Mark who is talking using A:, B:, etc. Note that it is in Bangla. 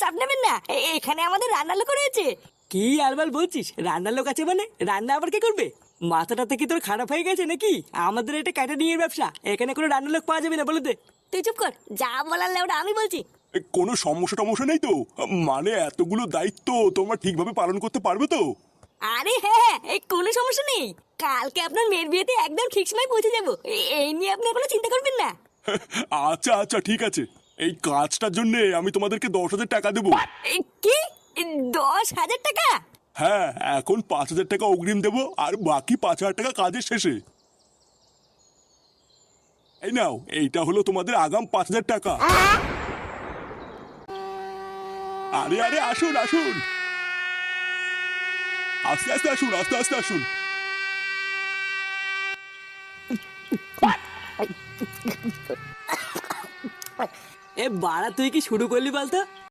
A: চাপ নেবেন না, এখানে আমাদের রান্নার লোক রয়েছে।
B: কি আলবাল বলছিস? রান্নার লোক আছে মানে? রান্না আবার কে করবে? মাথাটা থেকে তোর খারাপ হয়ে গেছে নাকি? আমাদের এটা ক্যাটারিং ব্যবসা, এখানে কোনো রান্নার লোক পাওয়া যাবে না, বলে দে।
A: তুই চুপ কর, যা বলার লেওটা আমি বলছি।
C: কোনো সমস্যা টমস্যা নেই তো? মানে এতগুলো দায়িত্ব তোমরা ঠিকভাবে পালন করতে পারবে তো?
A: আরে হ্যাঁ, এই কোনো সমস্যা নেই। কালকে আপনার মেয়ের বিয়েতে একদম ঠিক সময় পৌঁছে যাবো, এই নিয়ে আপনি কোনো চিন্তা করবেন না।
C: আচ্ছা আচ্ছা ঠিক আছে, এই কাজটার জন্য আমি তোমাদেরকে 10,000 টাকা দেবো।
A: কি? 10,000 টাকা?
C: হ্যাঁ, এখন 5,000 টাকা অগ্রিম দেবো আর বাকি 5,000 টাকা কাজের শেষে। এই নাও, এইটা হলো তোমাদের আগাম 5,000 টাকা। আরে আরে আসুন আসুন, আস্তে আস্তে আসুন, আস্তে আস্তে আসুন।
B: এ বাড়া, তুই কি শুরু করলি বলতো?